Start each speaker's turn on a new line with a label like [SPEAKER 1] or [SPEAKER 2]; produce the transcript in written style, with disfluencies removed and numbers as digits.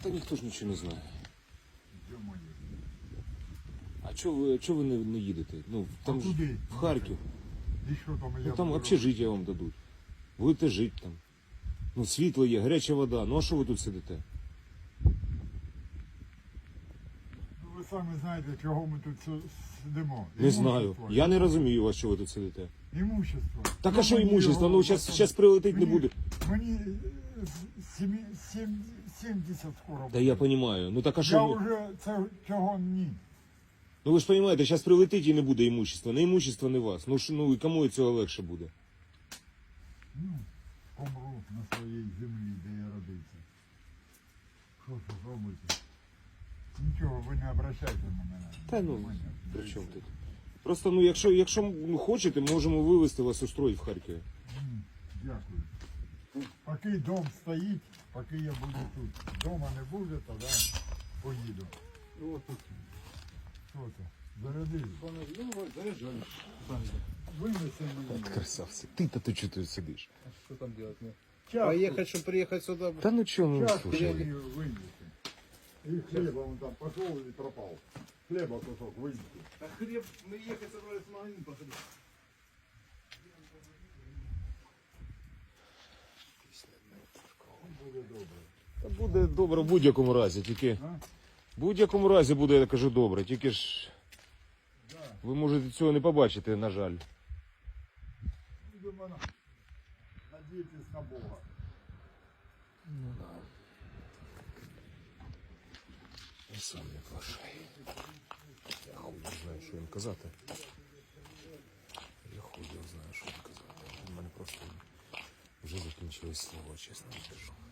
[SPEAKER 1] Та ніхто ж нічого не знає.
[SPEAKER 2] Ё-моё.
[SPEAKER 1] А чого ви не їдете? Ну, там ж
[SPEAKER 2] куди?
[SPEAKER 1] в Харків.
[SPEAKER 2] І що там я
[SPEAKER 1] Ну там
[SPEAKER 2] буду
[SPEAKER 1] общежиття вам дадуть. Будете жити там. Ну, світло є, гаряча вода. Ну а що ви тут сидите?
[SPEAKER 2] Ну, ви самі знаєте, чого ми тут сидимо.
[SPEAKER 1] Не знаю.
[SPEAKER 2] Імущество.
[SPEAKER 1] Я не розумію вас, що ви тут сидите.
[SPEAKER 2] Імущество.
[SPEAKER 1] Так а що
[SPEAKER 2] мені
[SPEAKER 1] імущество?
[SPEAKER 2] його
[SPEAKER 1] Ну зараз прилетить не
[SPEAKER 2] мені-
[SPEAKER 1] буде.
[SPEAKER 2] Мені 70 скоро
[SPEAKER 1] Та я розумію. Ну так а
[SPEAKER 2] Я
[SPEAKER 1] що?
[SPEAKER 2] вже цього ні.
[SPEAKER 1] Ну ви ж розумієте, зараз прилетить і не буде імущества. Не імущество, не вас. Ну і кому від цього легше буде?
[SPEAKER 2] Ну, помру на своїй землі, де я родився. Що ж робити? Нічого, ви не обращайте на мене.
[SPEAKER 1] Та ну,
[SPEAKER 2] внимання.
[SPEAKER 1] при чому тут? Просто, ну, якщо хочете, можемо вивезти вас устроїть в Харкові.
[SPEAKER 2] Дякую. Поки дом стоїть, поки я буду тут. Дома не буде, тоді поїду.
[SPEAKER 3] Вот тут.
[SPEAKER 2] Що це? Зарядили.
[SPEAKER 3] Ну, заряжали.
[SPEAKER 2] Винеси мені.
[SPEAKER 1] Красавці. Ти-то ти чого тут сидиш?
[SPEAKER 3] А что там делать? Мне?
[SPEAKER 2] Чашку,
[SPEAKER 3] Поехать, чтобы приехать сюда.
[SPEAKER 1] Та ну чого, ну
[SPEAKER 2] чашку
[SPEAKER 1] слушай.
[SPEAKER 2] мені винеси. І хліба вон там пішов і пропав. Хліба кусок винеси.
[SPEAKER 3] А хлеб, мы ехать собрались в магазин походить.
[SPEAKER 2] Буде добре.
[SPEAKER 1] Та буде добре в будь-якому разі, тільки
[SPEAKER 2] А?
[SPEAKER 1] в будь-якому разі буде, я кажу, добре, тільки ж
[SPEAKER 2] Да.
[SPEAKER 1] ви можете цього не побачити, на жаль.
[SPEAKER 2] Будемо надіятись на Бога.
[SPEAKER 1] Я сам не плашай. Я хуй не знаю, що їм казати. Я хуй не знаю, що їм казати. У мене просто вже закінчилось слово, чесно скажу.